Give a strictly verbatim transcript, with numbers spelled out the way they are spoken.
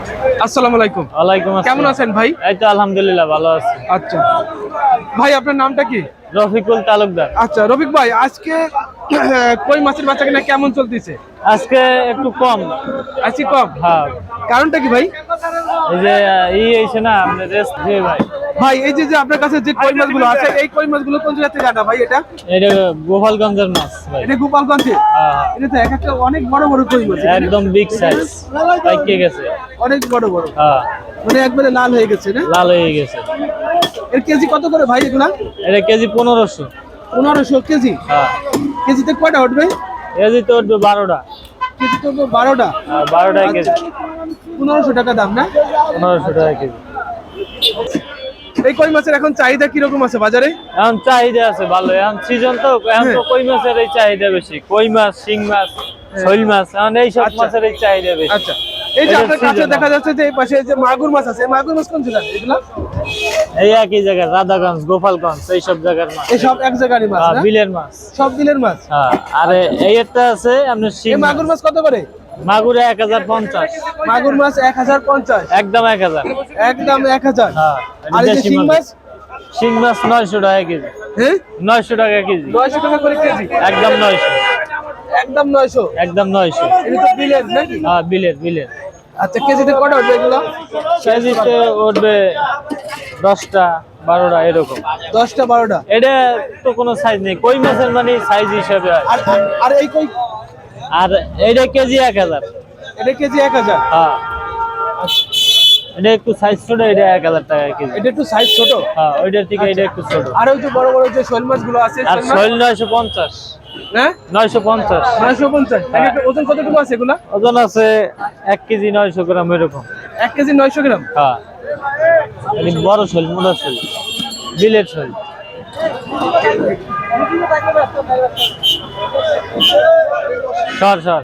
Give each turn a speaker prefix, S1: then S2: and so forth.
S1: আসসালামু আলাইকুম।
S2: ওয়ালাইকুম আসসালাম।
S1: কেমন আছেন ভাই?
S2: এই তো আলহামদুলিল্লাহ ভালো আছি।
S1: আচ্ছা ভাই, আপনার নামটা কি?
S2: রফিকুল তালুকদার।
S1: আচ্ছা রফিক ভাই, আজকে কই মাছের বাচ্চা কিনা কেমন চলতেছে?
S2: আজকে একটু কম।
S1: আজকে কম?
S2: হ্যাঁ,
S1: কারণটা কি ভাই?
S2: এই যে ই এসে না আপনি রেস্ট দিয়ে ভাই।
S1: ভাই এই যে যে আপনার কাছে যে কই মাছগুলো আছে, এই কই মাছগুলো কোন জায়গা থেকে আনা ভাই? এটা
S2: এটা গোপালগঞ্জের মাছ ভাই।
S1: এটা গোপালগঞ্জে?
S2: হ্যাঁ, হ্যাঁ।
S1: এটা তো এক একটা অনেক বড় বড় কই মাছ,
S2: একদম বিগ সাইজ পাইকে গেছে।
S1: অনেক বড় বড়,
S2: হ্যাঁ,
S1: মানে একবারে লাল হয়ে গেছে না?
S2: লাল হয়ে গেছে।
S1: এর কেজি কত করে ভাই এগুলা?
S2: এটা কেজি পনেরোশো।
S1: পনেরোশো কেজি?
S2: হ্যাঁ,
S1: কেজিতে কয়টা উঠবে?
S2: কেজি তো উঠবে বারোটা।
S1: কেজি তো বারোটা?
S2: হ্যাঁ, বারোটা কেজি।
S1: পনেরোশো টাকা দাম না?
S2: পনেরোশো টাকা কেজি।
S1: এই কই মাছের এখন চাহিদা কিরকম আছে বাজারে?
S2: এখন চাহিদা আছে ভালো, এখন সিজন তো, এখন তো কই মাছের এই চাহিদা বেশি। কই মাছ, শিং মাছ, শৈল মাছ, এখন এইসব
S1: আচ্ছা।
S2: মাছের এই চাহিদা বেশি।
S1: আচ্ছা, এই যে
S2: এটা
S1: আপনার কাছে
S2: season
S1: দেখা যাচ্ছে যে এই পাশে যে মাগুর মাছ আছে, এই মাগুর মাছ কোন জায়গার এগুলা?
S2: এই একই জায়গায় রাধাগঞ্জ, গোপালগঞ্জ এইসব জায়গার মাছ।
S1: এই সব এক জায়গারই মাছ
S2: হ্যাঁ,
S1: না?
S2: বিলের মাছ।
S1: সব বিলের মাছ?
S2: হ্যাঁ, আর এই একটা আছে আপনার শিং
S1: এই মাগুর মাছ কত করে?
S2: মাগুরে এক হাজার পঞ্চাশ।
S1: মাগুর মাছ এক হাজার পঞ্চাশ?
S2: একদম এক হাজার।
S1: একদম এক হাজার?
S2: হ্যাঁ,
S1: আর এই যে
S2: দেশি
S1: শিং
S2: মাছ।
S1: মাছ?
S2: শিং মাছ নয়শো টাকা কেজি।
S1: হ্যাঁ,
S2: নয়শো টাকা কেজি।
S1: নয়শো টাকা করে কেজি?
S2: একদম নয়শো।
S1: একদম নয়শো?
S2: একদম নয়শো।
S1: এটা তো বিলের নাকি?
S2: হ্যাঁ, বিলের বিলের।
S1: আচ্ছা, কেজিতে কটা উঠবে এগুলো?
S2: কেজিতে উঠবে দশটা বারোটা এরকম।
S1: দশটা বারোটা?
S2: এটা তো কোনো সাইজ নেই, কই মাছের মানে সাইজ হিসাবে হয়।
S1: আর আর এই কই?
S2: আর এইটা কেজি এক হাজার।
S1: এটা কেজি এক হাজার?
S2: হ্যাঁ, এটা একটু সাইজ ছোট, এটা এক হাজার টাকা কেজি।
S1: এটা একটু সাইজ ছোট?
S2: হ্যাঁ, ওইটার থেকে এটা একটু ছোট।
S1: আর ওই যে বড় বড় যে শোল মাছগুলো আছে,
S2: আর
S1: শোল মাছ?
S2: শৈল নয়শো পঞ্চাশ।
S1: হ্যাঁ,
S2: নয়শো পঞ্চাশ।
S1: নয়শো পঞ্চাশ? এক একটা ওজন কতটুকু আছে এগুলা?
S2: ওজন আছে এক কেজি নয়শো গ্রাম এরকম।
S1: এক কেজি নয়শো গ্রাম?
S2: হ্যাঁ, এটি বড় শৈল, মোটা শৈল, বিলের শৈল। সর সর